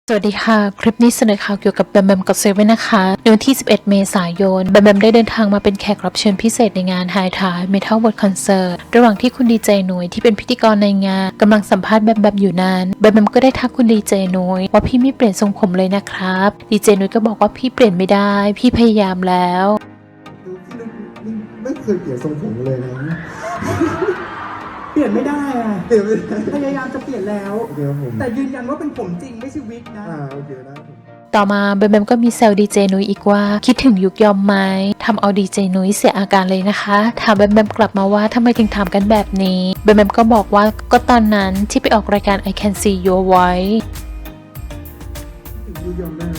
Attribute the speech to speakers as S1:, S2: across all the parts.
S1: สวัสดีค่ะคลิปนี้เสนอข่าวเกี่ยวกับแบมแบมกับเซเว่นนะคะในวันที่ 11 เมษายนแบมแบมได้เดินทางมาเป็นแขกรับเชิญพิเศษในงาน High Tide Metal World Concert ระหว่างที่คุณดีเจนุ้ยที่เป็นพิธีกรในงานกำลังสัมภาษณ์แบมแบมอยู่นั้นแบมแบมก็ได้ทักคุณดีเจนุ้ยว่าพี่ไม่เปลี่ยนทรงผมเลยนะครับดีเจนุ้ยก็บอกว่าพี่เปลี่ยนไม่ได้พี่พยายามแล้ว
S2: พี่ไม่เคยเปลี่ยนทรงผมเลยนะ
S3: เปลี่ยนไม่ได้อะ
S2: เปลี่ยนไม่ได้
S3: พยายามจะเปลี่ยนแล้ว
S2: โอเคครับผม
S3: แต่ยืนยันว่าเป็นผมจริงไม่ใช่วิกนะ
S2: โอเคได้ผม
S1: ต่อมาแบมแบมก็มีแซวดีเจนุ้ยอีกว่าคิดถึงยุคยอมไหมทำเอาดีเจนุ้ยเสียอาการเลยนะคะถามแบมแบมกลับมาว่าทำไมถึงถามกันแบบนี้แบมแบมก็บอกว่าก็ตอนนั้นที่ไปออกรายการ I Can See Your Voice
S2: ถึงยูยอมได้ไหม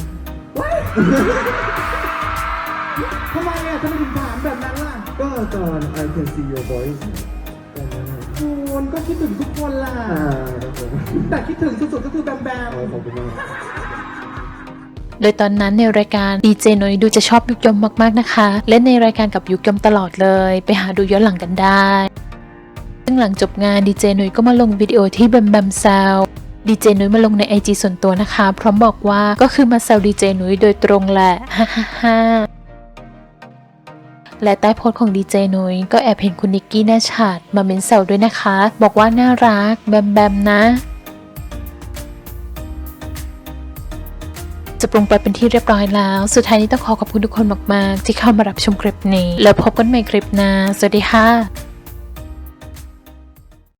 S3: ทำไมอ่ะทำไมถึงถามแบบนั้นล่ะ
S2: ก็ตอน I Can See Your Voice ตอนนั้นนะ
S3: คุณก็คิดถึงทุกคนล่ะ
S2: ครับผม
S3: แต่คิดถึงสุดๆก็คือแบมแบม
S2: ขอบคุณมาก
S1: โดยตอนนั้นในรายการดีเจนุ้ยดูจะชอบยุคยอมมากๆนะคะเล่นในรายการกับยุคยอมตลอดเลยไปหาดูย้อนหลังกันได้ซึ่งหลังจบงานดีเจนุ้ยก็มาลงวิดีโอที่แบมแบมแซวดีเจนุ้ยมาลงใน IG ส่วนตัวนะคะพร้อมบอกว่าก็คือมาแซวดีเจนุ้ยโดยตรงแหละฮ่าฮ่าฮ่าและใต้โพสต์ของดีเจนุ้ยก็แอบเห็นคุณนิกกี้แน่ชัดมาเม้นแซวด้วยนะคะบอกว่าน่ารักแบมแบมนะจะปรุงไปเป็นที่เรียบร้อยแล้ว สุดท้ายนี้ต้องขอบคุณทุกคนมากๆที่เข้ามารับชมคลิปนี้แล้วพบกันใหม่คลิปหน้าสวัสดีค่ะ